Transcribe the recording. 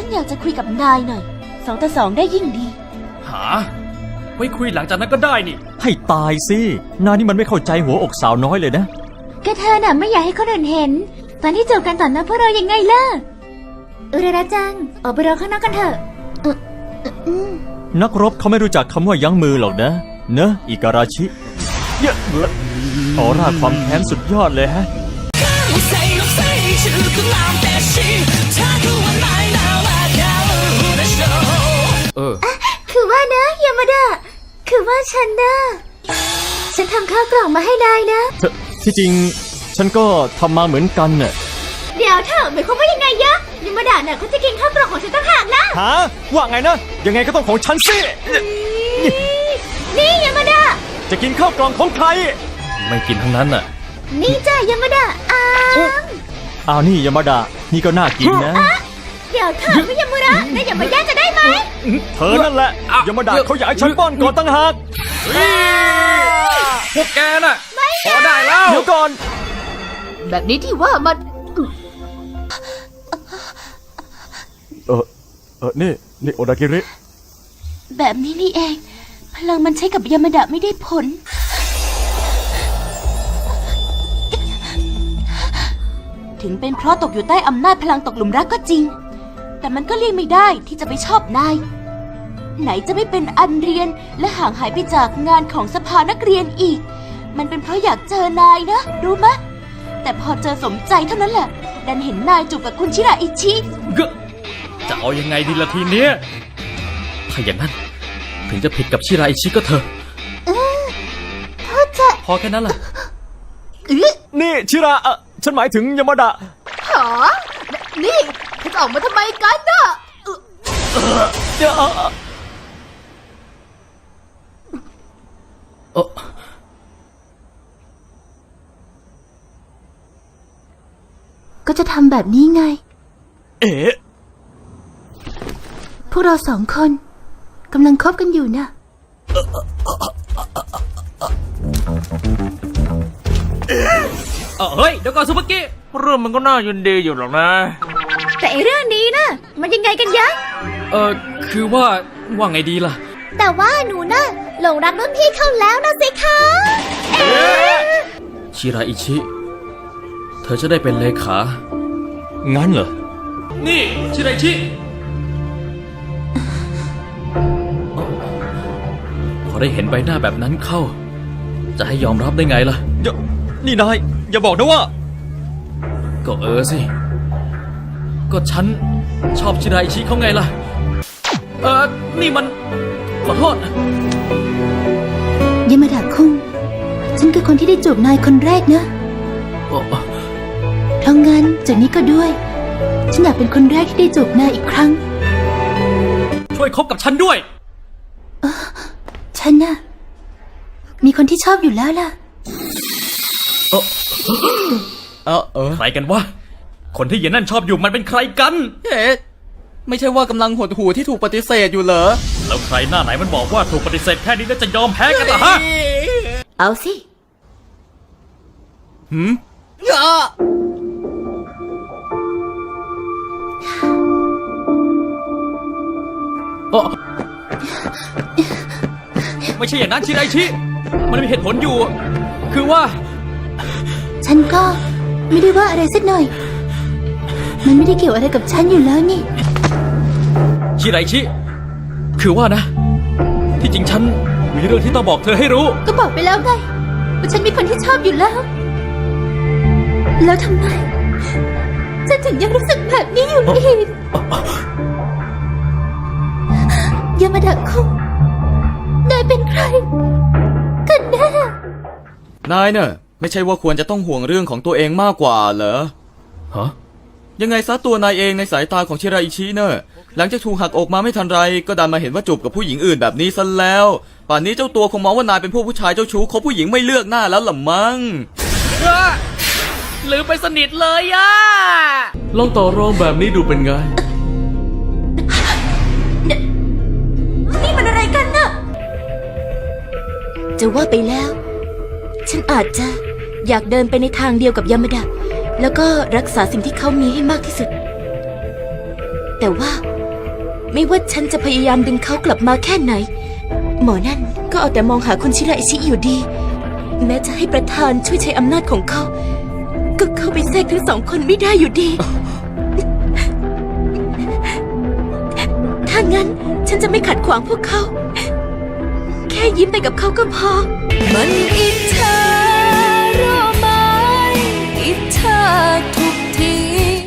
นอยากจะคุยกับนายหน่อย2 ต่อ 2ได้ยิ่งดีหาไว้คุยหลังจากนั้นก็ได้นี่ให้ตายสินายนี่มันไม่เข้าใจหัวอกสาวน้อยเลยนะก็เธอน่ะไม่อยากให้คนอื่นเห็นตอนที่จูบกันต่อหน้าพวกเรายังไงล่ะอุระจังออกไปรอข้างนอกกันเถอะนักรบเขาไม่รู้จักคำว่ายั้งมือหรอกนะเนอะอิการาชิเยอะออร่าความแค้นสุดยอดเลยฮะคือว่านะยามาดะคือว่าฉันทำข้าวกล่องมาให้นายนะที่จริงฉันก็ทำมาเหมือนกันน่ะเดี๋ยวเถอะหมายความว่ายังไงยะยามาดะน่ะเขาจะกินข้าวกล่องของฉันต่างหากนะฮะว่าไงนะยังไงก็ต้องของฉันสินี่ยามาดะจะกินข้าวกล่องของใครไม่กินทั้งนั้นน่ะนี่จ้ะยามาดะอ้าวนี่ยามาดะนี่ก็น่ากินนะเดี๋ยวเถอะไม่ยามาดะนายอย่ามาแย่งจะได้ไหมเธอนั่นแหละยามาดะเขาอยากให้ฉันป้อนก่อนตั้งหากพวกแกน่ะพอได้แล้วเดี๋ยวก่อนแบบนี้ที่ว่ามันนี่โอดากิริแบบนี้นี่เองพลังมันใช้กับยามาดะไม่ได้ผลถึงเป็นเพราะตกอยู่ใต้อำนาจพลังตกหลุมรักก็จริงแต่มันก็เลี่ยงไม่ได้ที่จะไปชอบนายไหนจะไม่เป็นอันเรียนและห่างหายไปจากงานของสภานักเรียนอีกมันเป็นเพราะอยากเจอนายนะรู้มะแต่พอเจอสมใจเท่านั้นแหละดันเห็นนายจูบกับคุณชิราอิชิจะเอายังไงดีล่ะทีเนี้ยถ้าอย่างนั้นถึงจะผิดกับชิราอิชิก็เถอะพอแค่นั้นแหละนี่ชิราฉันหมายถึงยามาดะหรอนี่เขาจะออกมาทำไมกันน่ะก็จะทำแบบนี้ไงพวกเรา2 คนกำลังคบกันอยู่นะเฮ้ยเดี๋ยวก่อนซุปเปอร์กี้เรื่องมันก็น่ายินดีอยู่หรอกนะแต่เรื่องนี้นะมันยังไงกันยะคือว่าไงดีล่ะแต่ว่าหนูน่ะหลงรักรุ่นพี่เขาแล้วนะสิคะชิราอิชิเธอจะได้เป็นเลขางั้นเหรอนี่ชิราอิชิพอได้เห็นใบหน้าแบบนั้นเข้าจะให้ยอมรับได้ไงล่ะนี่นายอย่าบอกนะว่าก็สิก็ฉันชอบชิราอิชิเขาไงล่ะนี่มันขอโทษยามาดะคุงฉันคือคนที่ได้จูบนายคนแรกนะเพราะงั้นจากนี้ก็ด้วยฉันอยากเป็นคนแรกที่ได้จูบนายอีกครั้งช่วยคบกับฉันด้วยฉันน่ะมีคนที่ชอบอยู่แล้วล่ะใครกันวะคนที่เย็นนั่นชอบอยู่มันเป็นใครกันไม่ใช่ว่ากำลังหดหู่ที่ถูกปฏิเสธอยู่เหรอแล้วใครหน้าไหนมันบอกว่าถูกปฏิเสธแค่นี้แล้วจะยอมแพ้กันล่ะฮะเอาสิไม่ใช่อย่างนั้นชิราอิชิมันมีเหตุผลอยู่คือว่าฉันก็ไม่ได้ว่าอะไรสักหน่อยมันไม่ได้เกี่ยวอะไรกับฉันอยู่แล้วนี่ชิราอิชิคือว่านะที่จริงฉันมีเรื่องที่ต้องบอกเธอให้รู้ก็บอกไปแล้วไงว่าฉันมีคนที่ชอบอยู่แล้วทำไมฉันถึงยังรู้สึกแบบนี้อยู่อีกยามาดะคุงนายเป็นใครกันแน่นายเนอะไม่ใช่ว่าควรจะต้องห่วงเรื่องของตัวเองมากกว่าเหรอฮะยังไงซะตัวนายเองในสายตาของชิราอิชิเนอะหลังจากถูกหักอกมาไม่ทันไรก็ดันมาเห็นว่าจูบกับผู้หญิงอื่นแบบนี้ซะแล้วป่านนี้เจ้าตัวคงมองว่านายเป็นพวกผู้ชายเจ้าชู้คบผู้หญิงไม่เลือกหน้าแล้วล่ะมั้งลืมไปสนิทเลยอะลองต่อรองแบบนี้ดูเป็นไงนี่มันอะไรกันน่ะจะว่าไปแล้วฉันอาจจะอยากเดินไปในทางเดียวกับยามาดะแล้วก็รักษาสิ่งที่เขามีให้มากที่สุดแต่ว่าไม่ว่าฉันจะพยายามดึงเขากลับมาแค่ไหน หมอนั่นก็เอาแต่มองหาคุณชิราอิชิอยู่ดี แม้จะให้ประธานช่วยใช้อำนาจของเขา ก็เข้าไปแทรกทั้งสองคนไม่ได้อยู่ดี ถ้างั้นฉันจะไม่ขัดขวางพวกเขา แค่ยิ้มไปกับเขาก็พอ มันอิจฉา